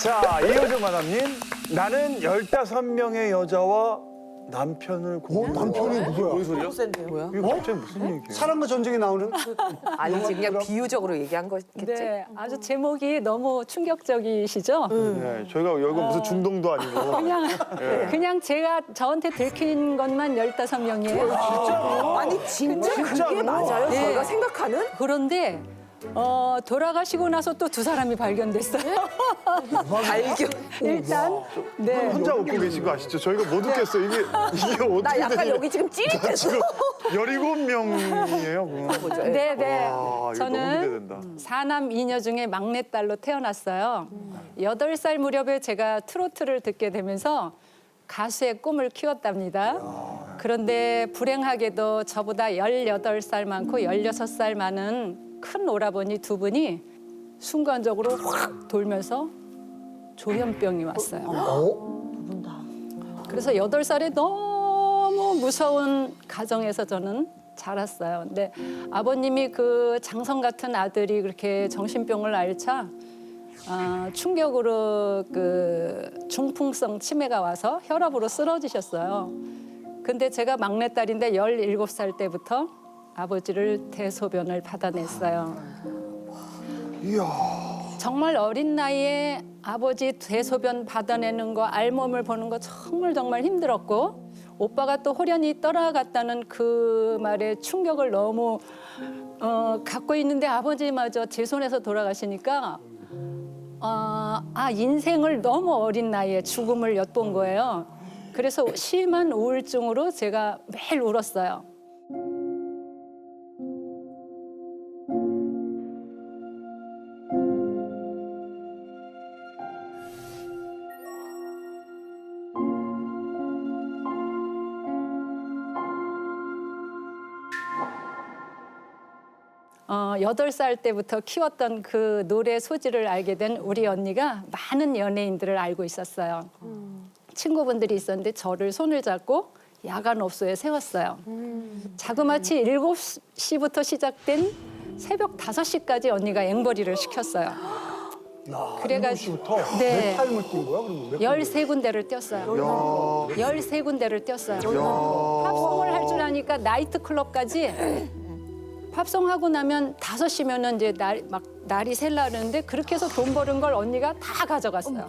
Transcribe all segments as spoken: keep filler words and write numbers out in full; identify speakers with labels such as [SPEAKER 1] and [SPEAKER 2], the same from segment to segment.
[SPEAKER 1] 자, 이효정 마담님. 나는 열다섯 명의 여자와 남편을
[SPEAKER 2] 어, 남편이 누구야?
[SPEAKER 1] 뭔 소리야?
[SPEAKER 3] 뭐야?
[SPEAKER 1] 이거 갑자기 무슨 얘기예요?
[SPEAKER 2] 사랑과 전쟁에 나오는?
[SPEAKER 3] 아니지 그냥 비유적으로 얘기한 거겠지.
[SPEAKER 4] 네, 아주 제목이 너무 충격적이시죠?
[SPEAKER 1] 네, 저희가 여기가 무슨 중동도 아니고.
[SPEAKER 4] 그냥 그냥 제가 저한테 들킨 것만 열다섯 명이에요.
[SPEAKER 3] 아니 진짜 그게
[SPEAKER 1] 진짜로?
[SPEAKER 3] 맞아요?
[SPEAKER 4] 네.
[SPEAKER 3] 저희가 생각하는?
[SPEAKER 4] 그런데 어, 돌아가시고 나서 또 두 사람이 발견됐어요.
[SPEAKER 3] 발견.
[SPEAKER 4] 일단 네.
[SPEAKER 1] 혼자 웃고 계신 거 아시죠? 저희가 못 웃겠어요. 이게, 이게 어떻게
[SPEAKER 3] 나 약간
[SPEAKER 1] 되냐.
[SPEAKER 3] 여기 지금 찌릿했어.
[SPEAKER 1] 지금 열일곱 명이에요, 그럼.
[SPEAKER 4] 네, 네.
[SPEAKER 1] 와, 이거 너무
[SPEAKER 4] 저는
[SPEAKER 1] 기대된다.
[SPEAKER 4] 사남 이녀 중에 막내딸로 태어났어요. 여덟 살 무렵에 제가 트로트를 듣게 되면서 가수의 꿈을 키웠답니다. 그런데 불행하게도 저보다 열여덟 살 많고 열여섯 살 많은 큰 오라버니 두 분이 순간적으로 확 돌면서 조현병이 왔어요. 그래서 여덟 살에 너무 무서운 가정에서 저는 자랐어요. 근데 아버님이 그 장성 같은 아들이 그렇게 정신병을 앓자 아, 충격으로 그 중풍성 치매가 와서 혈압으로 쓰러지셨어요. 근데 제가 막내딸인데 열일곱 살 때부터 아버지를 대소변을 받아냈어요.
[SPEAKER 2] 이야.
[SPEAKER 4] 정말 어린 나이에 아버지 대소변 받아내는 거, 알몸을 보는 거 정말 정말 힘들었고 오빠가 또 호련히 떠나갔다는 그 말에 충격을 너무 어, 갖고 있는데 아버지마저 제 손에서 돌아가시니까 어, 아 인생을 너무 어린 나이에 죽음을 엿본 거예요. 그래서 심한 우울증으로 제가 매일 울었어요. 어, 여덟 살 때부터 키웠던 그 노래 소질을 알게 된 우리 언니가 많은 연예인들을 알고 있었어요. 친구분들이 있었는데 저를 손을 잡고 야간업소에 세웠어요. 자그마치 일곱 시부터 시작된 새벽 다섯 시까지 언니가 앵벌이를 시켰어요. 그래가지고
[SPEAKER 2] 부터
[SPEAKER 4] 네.
[SPEAKER 2] 몇 타임을 뛴 거야? 그러면 몇
[SPEAKER 4] 열세 군데를 뛰었어요. 열세 군데를 뛰었어요. 팝송을 할 줄 아니까 나이트클럽까지 팝송하고 나면 다섯 시면은 이제 날, 막 날이 셀라는데 그렇게 해서 돈 버는 걸 언니가 다 가져갔어요.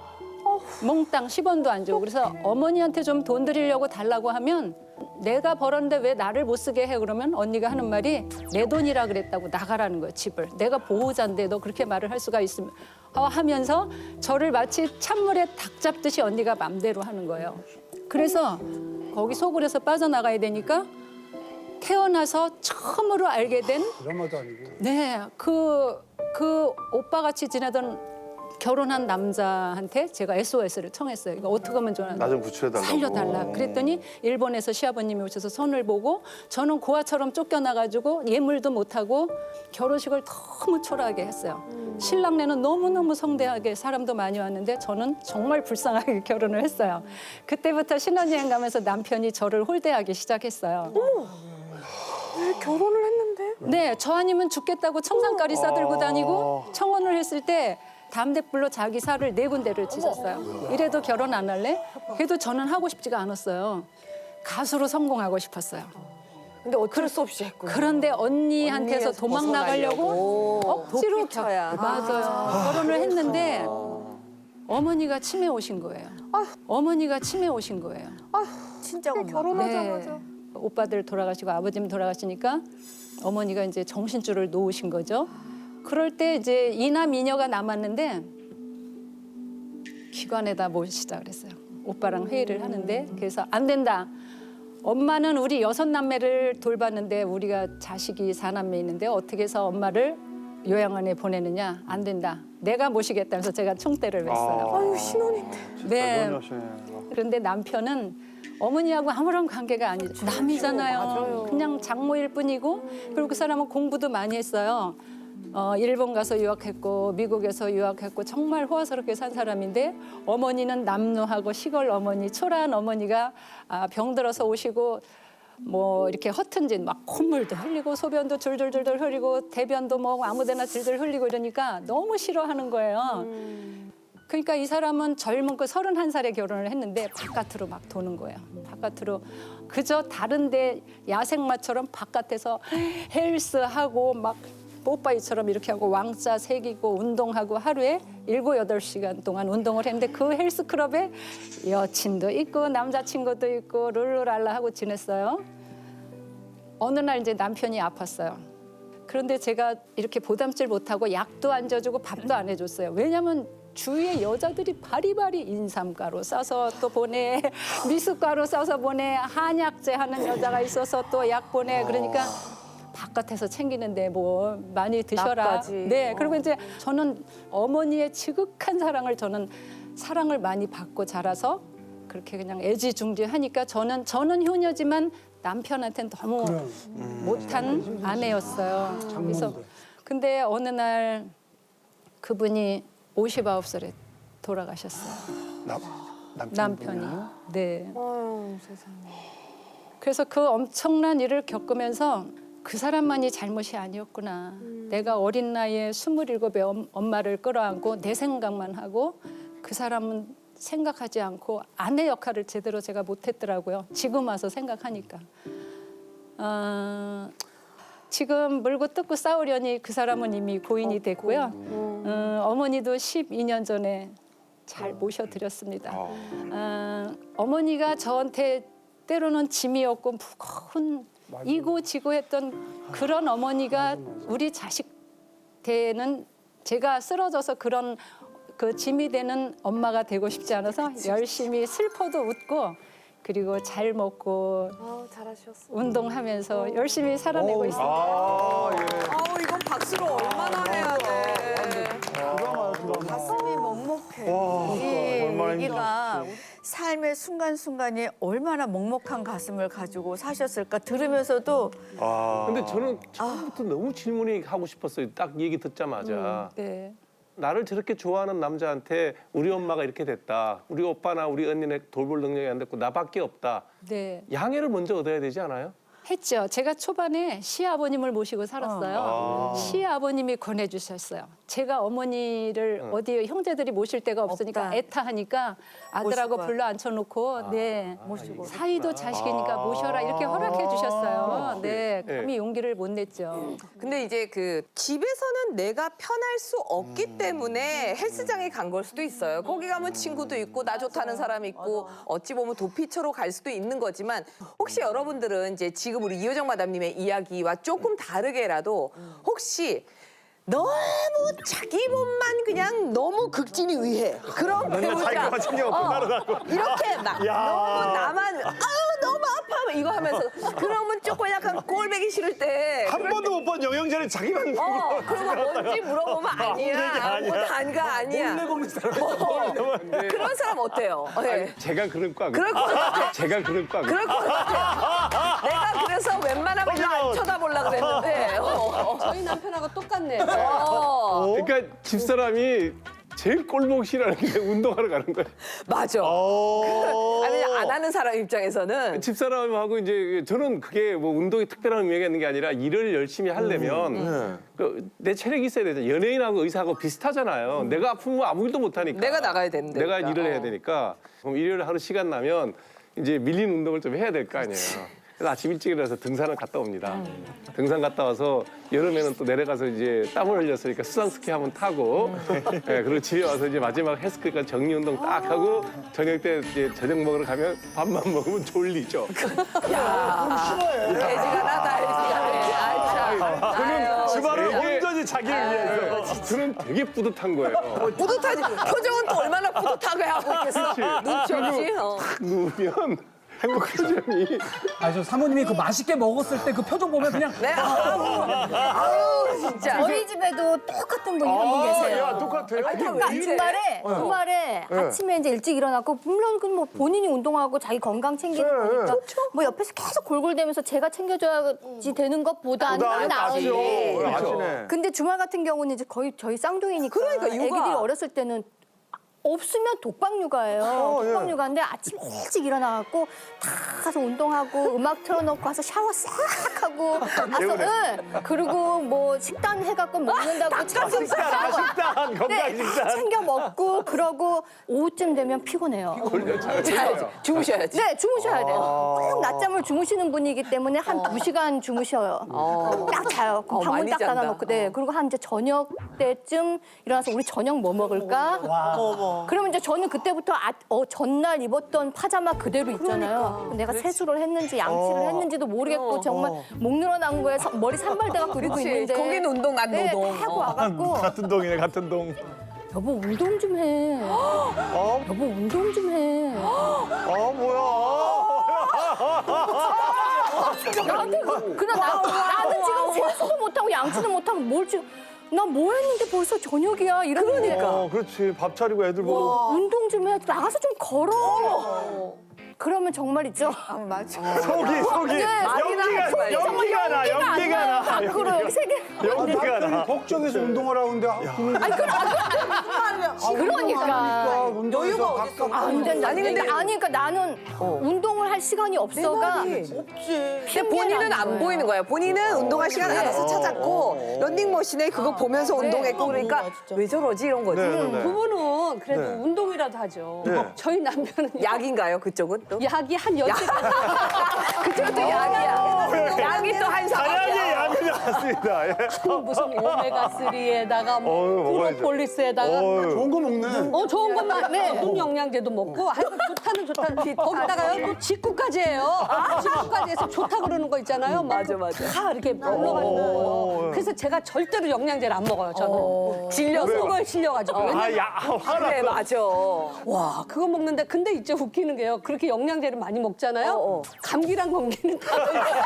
[SPEAKER 4] 몽땅 십 원도 안 주고. 그래서 어머니한테 좀 돈 드리려고 달라고 하면 내가 벌었는데 왜 나를 못 쓰게 해? 그러면 언니가 하는 말이 내 돈이라 그랬다고 나가라는 거예요, 집을. 내가 보호자인데 너 그렇게 말을 할 수가 있으면 어, 하면서 저를 마치 찬물에 닭 잡듯이 언니가 맘대로 하는 거예요. 그래서 거기 소굴에서 빠져나가야 되니까 태어나서 처음으로 알게 된
[SPEAKER 2] 드라마도 아니고.
[SPEAKER 4] 네, 그, 그 오빠 같이 지내던 결혼한 남자한테 제가 에스오에스를 청했어요. 이거 어떻게 하면 좋아?
[SPEAKER 1] 나 좀 구출해달라고.
[SPEAKER 4] 살려달라. 그랬더니 일본에서 시아버님이 오셔서 손을 보고 저는 고아처럼 쫓겨나가지고 예물도 못하고 결혼식을 너무 초라하게 했어요. 신랑네는 너무너무 성대하게 사람도 많이 왔는데 저는 정말 불쌍하게 결혼을 했어요. 그때부터 신혼여행 가면서 남편이 저를 홀대하기 시작했어요.
[SPEAKER 3] 왜 결혼을 했는데?
[SPEAKER 4] 네, 저 아니면 죽겠다고 청산가리 싸들고 다니고 청혼을 했을 때 담대불로 자기 살을 네 군데를 찢었어요. 이래도 결혼 안 할래? 그래도 저는 하고 싶지가 않았어요. 가수로 성공하고 싶었어요.
[SPEAKER 3] 근데 어쩔 수 없이 했구나.
[SPEAKER 4] 그런데 언니한테서
[SPEAKER 3] 언니에서
[SPEAKER 4] 도망 나가려고 억지로
[SPEAKER 3] 도피처야.
[SPEAKER 4] 겨- 맞아요. 결혼을 했는데 어머니가 치매 오신 거예요. 어머니가 치매 오신 거예요.
[SPEAKER 3] 진짜 엄마.
[SPEAKER 4] 네. 오빠들 돌아가시고 아버님 돌아가시니까 어머니가 이제 정신줄을 놓으신 거죠. 그럴 때 이제 이남 이녀가 남았는데 기관에다 모시자 그랬어요. 오빠랑 회의를 하는데 그래서 안 된다. 엄마는 우리 여섯 남매를 돌봤는데 우리가 자식이 사남매 있는데 어떻게 해서 엄마를 요양원에 보내느냐. 안 된다. 내가 모시겠다면서 제가 총대를 맸어요.
[SPEAKER 3] 아유 신혼인데.
[SPEAKER 4] 네.
[SPEAKER 1] 너무 하시네.
[SPEAKER 4] 그런데 남편은 어머니하고 아무런 관계가 아니죠. 남이잖아요.
[SPEAKER 3] 맞아요.
[SPEAKER 4] 그냥 장모일 뿐이고 그리고 그 사람은 공부도 많이 했어요. 어, 일본 가서 유학했고 미국에서 유학했고 정말 호화스럽게 산 사람인데 어머니는 남루하고 시골 어머니, 초라한 어머니가 아, 병들어서 오시고 뭐 이렇게 허튼 짓 막 콧물도 흘리고 소변도 줄줄줄줄 흘리고 대변도 뭐 아무데나 줄줄 흘리고 이러니까 너무 싫어하는 거예요. 그러니까 이 사람은 젊은 그 서른한 살에 결혼을 했는데 바깥으로 막 도는 거예요. 바깥으로 그저 다른데 야생마처럼 바깥에서 헬스하고 막 뽀빠이처럼 이렇게 하고 왕자 새기고 운동하고 하루에 일곱 여덟 시간 동안 운동을 했는데 그 헬스클럽에 여친도 있고 남자친구도 있고 룰루랄라 하고 지냈어요. 어느 날 이제 남편이 아팠어요. 그런데 제가 이렇게 보담질 못하고 약도 안 줘주고 밥도 안 해줬어요. 왜냐면 주위에 여자들이 바리바리 인삼가루 싸서 또 보내, 미숫가루 싸서 보내, 한약재 하는 여자가 있어서 또 약 보내. 그러니까 바깥에서 챙기는데 뭐 많이 드셔라.
[SPEAKER 3] 약까지.
[SPEAKER 4] 네, 그리고 이제 저는 어머니의 지극한 사랑을 저는 사랑을 많이 받고 자라서 그렇게 그냥 애지중지하니까 저는 저는 효녀지만 남편한테는 너무
[SPEAKER 2] 그래.
[SPEAKER 4] 못한 아내였어요. 그래서 근데 어느 날 그분이 오십아홉 살에 돌아가셨어요.
[SPEAKER 1] 남,
[SPEAKER 4] 남편이. 네.
[SPEAKER 3] 아유, 세상에.
[SPEAKER 4] 그래서 그 엄청난 일을 겪으면서 그 사람만이 잘못이 아니었구나. 내가 어린 나이에 스물일곱에 엄- 엄마를 끌어안고 내 생각만 하고 그 사람은 생각하지 않고 아내 역할을 제대로 제가 못했더라고요. 지금 와서 생각하니까. 어, 지금 물고 뜯고 싸우려니 그 사람은 이미 고인이 됐고요. 어, 어머니도 십이 년 전에 잘 모셔드렸습니다. 어, 어머니가 저한테 때로는 짐이었고 무거운 이고 지고 했던 그런 어머니가 우리 자식 때는 제가 쓰러져서 그런 그 짐이 되는 엄마가 되고 싶지 않아서 열심히 슬퍼도 웃고 그리고 잘 먹고
[SPEAKER 3] 아우, 잘하셨어.
[SPEAKER 4] 운동하면서 열심히 살아내고 있습니다.
[SPEAKER 1] 아, 예.
[SPEAKER 5] 아우 이건 박수로 얼마나 해야 돼.
[SPEAKER 6] 가슴이 먹먹해.
[SPEAKER 1] 와,
[SPEAKER 6] 이
[SPEAKER 1] 얼마나
[SPEAKER 6] 얘기가 삶의 순간순간에 얼마나 먹먹한 가슴을 가지고 사셨을까 들으면서도
[SPEAKER 1] 아.
[SPEAKER 7] 근데 저는 처음부터 너무 질문이 하고 싶었어요. 딱 얘기 듣자마자.
[SPEAKER 4] 네.
[SPEAKER 7] 나를 저렇게 좋아하는 남자한테 우리 엄마가 이렇게 됐다. 우리 오빠나 우리 언니네 돌볼 능력이 안 됐고 나밖에 없다.
[SPEAKER 4] 네.
[SPEAKER 7] 양해를 먼저 얻어야 되지 않아요?
[SPEAKER 4] 했죠. 제가 초반에 시아버님을 모시고 살았어요.
[SPEAKER 1] 아.
[SPEAKER 4] 시아버님이 권해주셨어요. 제가 어머니를 어디 형제들이 모실 데가 없으니까
[SPEAKER 6] 없다.
[SPEAKER 4] 애타하니까 아들하고
[SPEAKER 6] 모시고
[SPEAKER 4] 불러 앉혀놓고 네
[SPEAKER 6] 모시고.
[SPEAKER 4] 사이도 자식이니까 모셔라 이렇게 허락해 주셨어요. 네, 감히 용기를 못 냈죠.
[SPEAKER 5] 근데 이제 그 집에서는 내가 편할 수 없기 때문에 헬스장에 간 걸 수도 있어요. 거기 가면 친구도 있고 나 좋다는 사람이 있고 어찌 보면 도피처로 갈 수도 있는 거지만 혹시 여러분들은 이제 지금 우리 이효정 마담님의 이야기와 조금 다르게라도 혹시 너무 자기 몸만 그냥 너무 극진히 위해 그런 배우자
[SPEAKER 1] 자기가 챙겨 먹고 날아가고.
[SPEAKER 5] 이렇게 막
[SPEAKER 1] 야.
[SPEAKER 5] 너무 나만 아우 너무 아파 이거 하면서 그러면 조금 약간 꼴배기 싫을 때
[SPEAKER 1] 한 번도 못 본 영양제를 자기만
[SPEAKER 5] 어 그러면 뭔지 물어보면 아니야 뭐 단가 아니야
[SPEAKER 2] 먹는 사람.
[SPEAKER 5] 어, 그런 사람 어때요? 네.
[SPEAKER 7] 제가 그럴 거
[SPEAKER 5] 그럴 것 같아
[SPEAKER 7] 제가 그럴 거
[SPEAKER 5] 그럴 것 같아 내가 그래서 웬만하면 안 쳐다보려고 그랬는데 어.
[SPEAKER 3] 저희 남편하고 똑같네.
[SPEAKER 5] 어.
[SPEAKER 7] 그러니까 집사람이 제일 꼴보기 싫어하는 게 운동하러 가는 거예요.
[SPEAKER 5] 맞아
[SPEAKER 1] 어.
[SPEAKER 5] 아니 안 하는 사람 입장에서는
[SPEAKER 7] 집사람하고 이제 저는 그게 뭐 운동이 특별한 의미가 있는 게 아니라 일을 열심히 하려면 그 내 체력이 있어야 되잖아요. 연예인하고 의사하고 비슷하잖아요. 내가 아프면 아무 일도 못 하니까.
[SPEAKER 5] 내가 나가야 되는데
[SPEAKER 7] 내가
[SPEAKER 5] 그러니까.
[SPEAKER 7] 일을 해야
[SPEAKER 5] 어.
[SPEAKER 7] 되니까 그럼 일요일에 하루 시간 나면 이제 밀린 운동을 좀 해야 될 거 아니에요. 그래서 아침 일찍 일어나서 등산을 갔다 옵니다. 등산 갔다 와서 여름에는 또 내려가서 이제 땀을 흘렸으니까 수상스키 한번 타고 예, 그리고 집에 와서 이제 마지막 헬스클까지 정리 운동 딱 하고 저녁 때 이제 저녁 먹으러 가면 밥만 먹으면 졸리죠.
[SPEAKER 5] 애지가 나다 애지가 네. 아이 참.
[SPEAKER 1] 그는 집안을
[SPEAKER 7] 되게-
[SPEAKER 1] 온전히 자기를 위해서.
[SPEAKER 7] 저는 되게 뿌듯한 거예요.
[SPEAKER 5] 뿌듯하지 표정은 또 얼마나 뿌듯하게 하고 있겠어 눈치 없이 어.
[SPEAKER 7] 누우면 행복하지.
[SPEAKER 8] 아니 저 사모님이 그 맛있게 먹었을 때 그 표정 보면 그냥
[SPEAKER 5] 네 아우 아우 진짜
[SPEAKER 9] 저희 집에도 똑같은 분이 한 분 계세요.
[SPEAKER 1] 야, 똑같아요.
[SPEAKER 9] 그러니까 주말에 주말에 아침에 이제 일찍 일어나고 물론 그 뭐 본인이 운동하고 자기 건강 챙기는 거니까 뭐 옆에서 계속 골골대면서 제가 챙겨줘야지 되는 것보다는
[SPEAKER 1] 나는
[SPEAKER 9] 나은데.
[SPEAKER 1] 아시오.
[SPEAKER 7] 그렇죠.
[SPEAKER 1] 아시네.
[SPEAKER 9] 근데 주말 같은 경우는 이제 거의 저희 쌍둥이니까
[SPEAKER 5] 그러니까 육아.
[SPEAKER 9] 애기들이 어렸을 때는 없으면 독박육아예요.
[SPEAKER 1] 어, 예.
[SPEAKER 9] 독박육아인데 아침 일찍 일어나갖고 다 가서 운동하고 음악 틀어놓고 가서 샤워 싹 하고 가서 응. 그리고 뭐 식단 해갖고 먹는다고
[SPEAKER 1] 식단, 아, 식단, 건강
[SPEAKER 9] 네, 다
[SPEAKER 1] 식단.
[SPEAKER 9] 챙겨 먹고 그러고 오후쯤 되면 피곤해요.
[SPEAKER 5] 자야지. 주무셔야지.
[SPEAKER 9] 네, 주무셔야 돼요. 꼭 낮잠을 주무시는 분이기 때문에 한 두 시간 주무셔요. 딱 자요. 그럼
[SPEAKER 5] 어,
[SPEAKER 9] 방문
[SPEAKER 5] 많이
[SPEAKER 9] 딱
[SPEAKER 5] 잔다.
[SPEAKER 9] 닫아놓고, 네. 그리고 한 이제 저녁 때쯤 일어나서 우리 저녁 뭐 먹을까? 그러면 이제 저는 그때부터 아, 어, 전날 입었던 파자마 그대로 있잖아요. 내가 세수를 했는지 양치를 했는지도 모르겠고 정말 목 늘어난 거에 서- 머리 산발대가 그리고
[SPEAKER 5] 그렇지.
[SPEAKER 9] 있는데.
[SPEAKER 5] 거긴 운동, 난
[SPEAKER 9] 네,
[SPEAKER 5] 노동.
[SPEAKER 9] 하고 와갖고
[SPEAKER 1] 같은 동이네, 같은 동.
[SPEAKER 9] 여보 운동 좀 해. 여보 운동 좀 해.
[SPEAKER 1] 아, 뭐야.
[SPEAKER 9] 나한테 그- 그냥 나, 나는 지금 세수도 못하고 양치도 못하고 뭘 지금 나 뭐 했는데 벌써 저녁이야 이러는데
[SPEAKER 1] 어, 그렇지. 밥 차리고 애들 보고.
[SPEAKER 9] 운동 좀 해. 나가서 좀 걸어. 그러면 정말 있죠.
[SPEAKER 6] 아, 맞아.
[SPEAKER 1] 속이, 속이.
[SPEAKER 9] 네,
[SPEAKER 1] 연기가,
[SPEAKER 9] 속이 정말
[SPEAKER 1] 연기가 나, 연기가 나.
[SPEAKER 9] 밖으로 여기 세 개.
[SPEAKER 1] 연기가 나.
[SPEAKER 2] 걱정해서 운동을 하는데 그러면
[SPEAKER 9] 아니 그러, 그러니까.
[SPEAKER 2] 운동에서 각각
[SPEAKER 9] 안 된다. 아니 근데 아니 그러니까 나는 운동을 할 시간이 없어가.
[SPEAKER 5] 근데 본인은 안 보이는 거예요. 본인은 운동할 시간 알아서 찾았고 런닝머신에 그거 보면서 운동했고 그러니까 왜 저러지 이런 거지.
[SPEAKER 1] 네, 네, 네.
[SPEAKER 3] 부부는 그래도
[SPEAKER 1] 네.
[SPEAKER 3] 운동이라도 하죠.
[SPEAKER 1] 네.
[SPEAKER 3] 저희 남편은
[SPEAKER 5] 약인가요 그쪽은 또?
[SPEAKER 3] 약이 한 여섯 가지.
[SPEAKER 5] 그쪽은 또 약이야. 약이 또 한
[SPEAKER 1] 사냥이
[SPEAKER 5] 사람이야.
[SPEAKER 1] 약이 나왔습니다. 예.
[SPEAKER 3] 무슨 오메가삼에다가 뭐
[SPEAKER 1] 어휴, 먹어야죠.
[SPEAKER 3] 프로폴리스에다가
[SPEAKER 1] 어휴.
[SPEAKER 2] 좋은 거 먹네.
[SPEAKER 3] 어 좋은 것만 네. 분 영양제도 먹고 하여튼 좋다는 좋다는 거기다가요 또 직구까지 해요. 직구까지 해서 좋다 그러는 거 있잖아요. 막
[SPEAKER 5] 맞아, 맞아.
[SPEAKER 3] 다 이렇게 올라가는 거예요. 그래서 제가 절대로 영양제를 안 먹어요. 저는
[SPEAKER 5] 질려서.
[SPEAKER 3] 먹는 거에 질려가지고.
[SPEAKER 1] 아, 야, 화나.
[SPEAKER 5] 그래 맞아.
[SPEAKER 3] 와 그거 먹는데 근데 이제 웃기는 게요. 그렇게 영양제를 많이 먹잖아요.
[SPEAKER 5] 어, 어.
[SPEAKER 3] 감기랑 감기는 다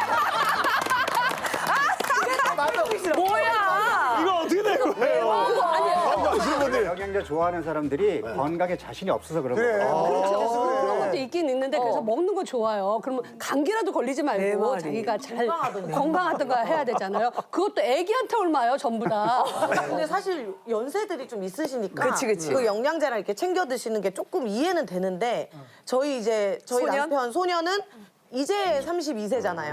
[SPEAKER 5] 뭐야?
[SPEAKER 1] 이거 어떻게 된 거예요?
[SPEAKER 3] 아니에요.
[SPEAKER 1] 아시는 분들.
[SPEAKER 10] 영양제 좋아하는 사람들이 건강에 자신이 없어서 그런
[SPEAKER 2] 그래.
[SPEAKER 10] 거예요.
[SPEAKER 3] 그렇죠. 그런 것도 있긴 있는데 그래서 먹는 거 좋아요. 그러면 감기라도 걸리지 말고 자기가 잘 건강하던가 해야 되잖아요. 그것도 애기한테 옮아요 전부 다.
[SPEAKER 11] 근데 사실 연세들이 좀 있으시니까
[SPEAKER 5] 그치, 그치.
[SPEAKER 11] 그 영양제랑 이렇게 챙겨 드시는 게 조금 이해는 되는데 저희 이제 저희
[SPEAKER 5] 소년?
[SPEAKER 11] 남편 소년은 이제 삼십이 세잖아요.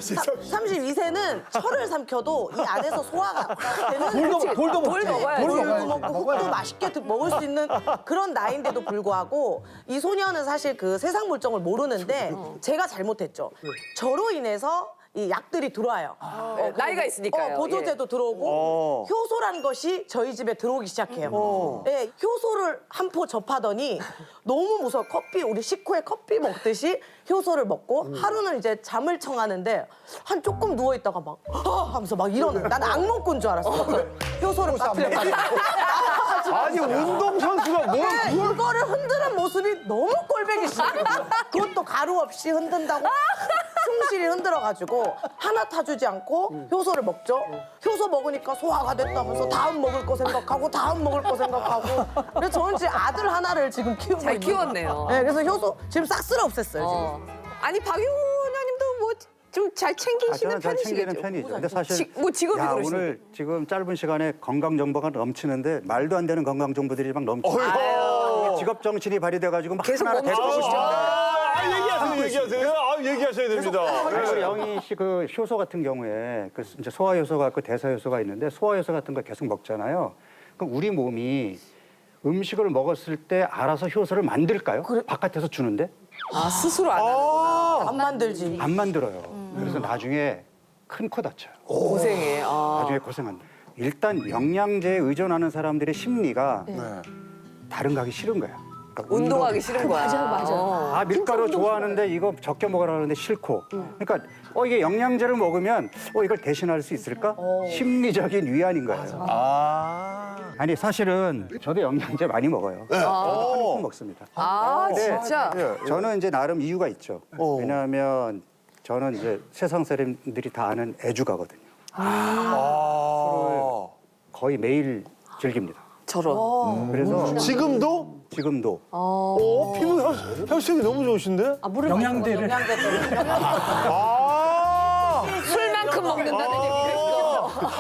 [SPEAKER 11] 삼십이 세는 철을 삼켜도 이 안에서 소화가 되는
[SPEAKER 8] 돌도,
[SPEAKER 11] 그치?
[SPEAKER 8] 돌도 먹지.
[SPEAKER 5] 돌 먹어야지.
[SPEAKER 11] 돌도
[SPEAKER 8] 먹어야지.
[SPEAKER 11] 먹고 흙도 맛있게 드- 먹을 수 있는 그런 나이인데도 불구하고 이 소년은 사실 그 세상 물정을 모르는데 제가 잘못했죠. 저로 인해서 이 약들이 들어와요.
[SPEAKER 5] 어, 나이가 있으니까요.
[SPEAKER 11] 어, 보조제도 들어오고
[SPEAKER 1] 어.
[SPEAKER 11] 효소란 것이 저희 집에 들어오기 시작해요. 네, 효소를 한 포 접하더니 너무 무서워. 커피 우리 식후에 커피 먹듯이 효소를 먹고 하루는 이제 잠을 청하는데 한 조금 누워 있다가 막 아! 하면서 막 일어나. 나는 악몽꾼 줄 알았어. 효소를 빠뜨려가지고.
[SPEAKER 1] 아니, 운동선수가 뭘,
[SPEAKER 11] 네,
[SPEAKER 1] 그걸.
[SPEAKER 11] 이거를 흔드는 모습이 너무 꼴배기 싫어요. 그것도 가루 없이 흔든다고 충실히 흔들어가지고 하나 타주지 않고 효소를 먹죠. 효소 먹으니까 소화가 됐다면서 다음 먹을 거 생각하고 다음 먹을 거 생각하고. 그래서 저는 지금 아들 하나를 지금 키우고
[SPEAKER 5] 잘
[SPEAKER 11] 있는
[SPEAKER 5] 키웠네요.
[SPEAKER 11] 네, 그래서 효소 지금 싹 쓸어 없앴어요. 지금.
[SPEAKER 5] 어. 아니 박용호 원장님도 뭐 좀 잘
[SPEAKER 10] 아,
[SPEAKER 5] 챙기시는
[SPEAKER 10] 저는 잘 챙기는
[SPEAKER 5] 편이시겠죠?
[SPEAKER 10] 편이죠. 근데 사실
[SPEAKER 5] 지- 뭐 직업이
[SPEAKER 10] 야,
[SPEAKER 5] 그러신데.
[SPEAKER 10] 오늘 지금 짧은 시간에 건강 정보가 넘치는데 말도 안 되는 건강 정보들이 막 넘치고 직업 정신이 발휘돼가지고 막
[SPEAKER 5] 계속
[SPEAKER 10] 하나하나
[SPEAKER 5] 멈추고
[SPEAKER 10] 대보고
[SPEAKER 5] 싶죠.
[SPEAKER 1] 아, 얘기하세요, 얘기하세요. 아, 얘기하셔야 됩니다.
[SPEAKER 10] 그리고 영희 씨 그 효소 같은 경우에 그 이제 소화 효소가 있고 대사 효소가 있는데 소화 효소 같은 거 계속 먹잖아요. 그럼 우리 몸이 음식을 먹었을 때 알아서 효소를 만들까요? 바깥에서 주는데
[SPEAKER 5] 아 스스로 안 하는
[SPEAKER 11] 안 만들지.
[SPEAKER 10] 안 만들어요. 그래서 나중에 큰 코 다쳐요.
[SPEAKER 5] 고생해. 아.
[SPEAKER 10] 나중에 고생한다. 일단 영양제에 의존하는 사람들의 심리가 다른 거 하기 싫은 거야. 그러니까
[SPEAKER 5] 운동하기 싫은 거야.
[SPEAKER 3] 맞아요, 맞아요.
[SPEAKER 10] 아 밀가루 좋아하는데 이거 적게 먹으라 하는데 싫고. 그러니까 어 이게 영양제를 먹으면 어 이걸 대신할 수 있을까? 심리적인 위안인 거예요.
[SPEAKER 1] 아.
[SPEAKER 10] 아니 사실은 저도 영양제 많이 먹어요. 한통 먹습니다.
[SPEAKER 5] 아
[SPEAKER 10] 네.
[SPEAKER 5] 진짜.
[SPEAKER 10] 저는 이제 나름 이유가 있죠. 왜냐하면 저는 이제 세상 사람들이 다 아는 애주가거든요.
[SPEAKER 1] 아.
[SPEAKER 10] 거의 매일 즐깁니다.
[SPEAKER 5] 저런.
[SPEAKER 10] 그래서
[SPEAKER 1] 지금도?
[SPEAKER 10] 지금도
[SPEAKER 1] 어, 피부 혈- 혈색이 너무 좋으신데?
[SPEAKER 3] 아, 물을
[SPEAKER 8] 영양제를.
[SPEAKER 1] 아.
[SPEAKER 5] 술만큼 먹는다는 얘기가 있어.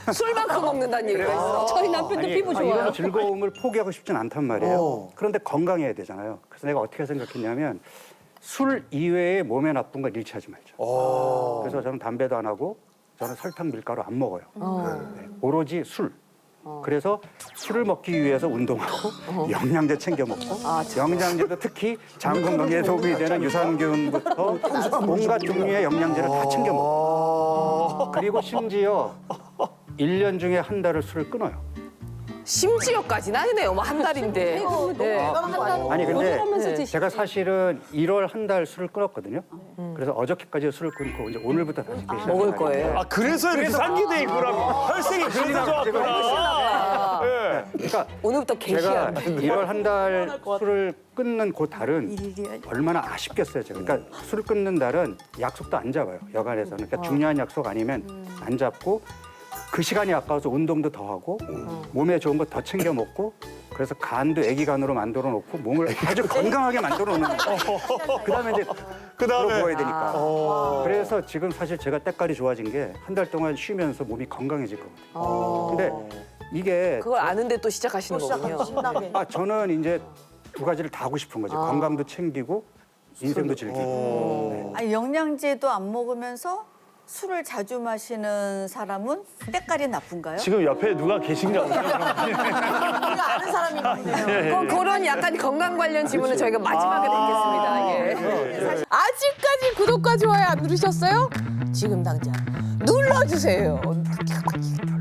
[SPEAKER 5] 술만큼 먹는다는 얘기가 있어.
[SPEAKER 3] 저희 남편도
[SPEAKER 10] 아니,
[SPEAKER 3] 피부
[SPEAKER 10] 아,
[SPEAKER 3] 좋아요.
[SPEAKER 10] 이런 즐거움을 포기하고 싶진 않단 말이에요. 그런데 건강해야 되잖아요. 그래서 내가 어떻게 생각했냐면 술 이외에 몸에 나쁜 걸 일치하지 말자. 그래서 저는 담배도 안 하고 저는 설탕, 밀가루 안 먹어요. 네, 오로지 술. 그래서 술을 먹기 위해서 운동하고 영양제 챙겨 먹고 영양제도 특히 장 건강에 도움이 되는 유산균부터 온갖 종류의 영양제를 다 챙겨 먹고 그리고 심지어 일 년 중에 한 달을 술을 끊어요.
[SPEAKER 5] 심지어까지는 아니네요. 뭐 한 달인데. 네.
[SPEAKER 10] 아니
[SPEAKER 3] 조절하면서
[SPEAKER 10] 근데
[SPEAKER 3] 드시지.
[SPEAKER 10] 제가 사실은 일월 한 달 술을 끊었거든요. 그래서 어저께까지 술을 끊고 이제 오늘부터 다시 드시는
[SPEAKER 5] 먹을 거예요.
[SPEAKER 1] 아 그래서 이렇게 상기돼 있구나. 혈색이 그래서 좋았구나. 예.
[SPEAKER 10] 그러니까
[SPEAKER 5] 오늘부터
[SPEAKER 10] 제가
[SPEAKER 5] 개시야.
[SPEAKER 10] 일월 한 달 술을 끊는 그 달은 얼마나 아쉽겠어요. 제가. 그러니까 술을 끊는 달은 약속도 안 잡아요. 여간에서는. 그러니까 중요한 약속 아니면 안 잡고 그 시간이 아까워서 운동도 더 하고 몸에 좋은 거 더 챙겨 먹고 그래서 간도 애기 간으로 만들어 놓고 몸을 아주 건강하게 만들어 놓는 거예요. 그다음에 이제
[SPEAKER 1] 그다음에
[SPEAKER 10] 먹어야 되니까. 그래서 지금 사실 제가 때깔이 좋아진 게 한 달 동안 쉬면서 몸이 건강해질 거거든요. 근데 이게
[SPEAKER 5] 그걸 아는데 또 시작하시는 거군요.
[SPEAKER 11] 신나게.
[SPEAKER 10] 아 저는 이제 두 가지를 다 하고 싶은 거죠. 건강도 챙기고 인생도 즐기고. 네.
[SPEAKER 6] 아니, 영양제도 안 먹으면서 술을 자주 마시는 사람은 때깔이 나쁜가요?
[SPEAKER 1] 지금 옆에 누가 계신가 보죠.
[SPEAKER 11] 우리가 아는 사람이 있네요.
[SPEAKER 5] 그, 그런 약간 건강 관련 질문을 저희가 마지막에 듣겠습니다. 예. 아직까지 구독과 좋아요 안 누르셨어요? 지금 당장 눌러주세요.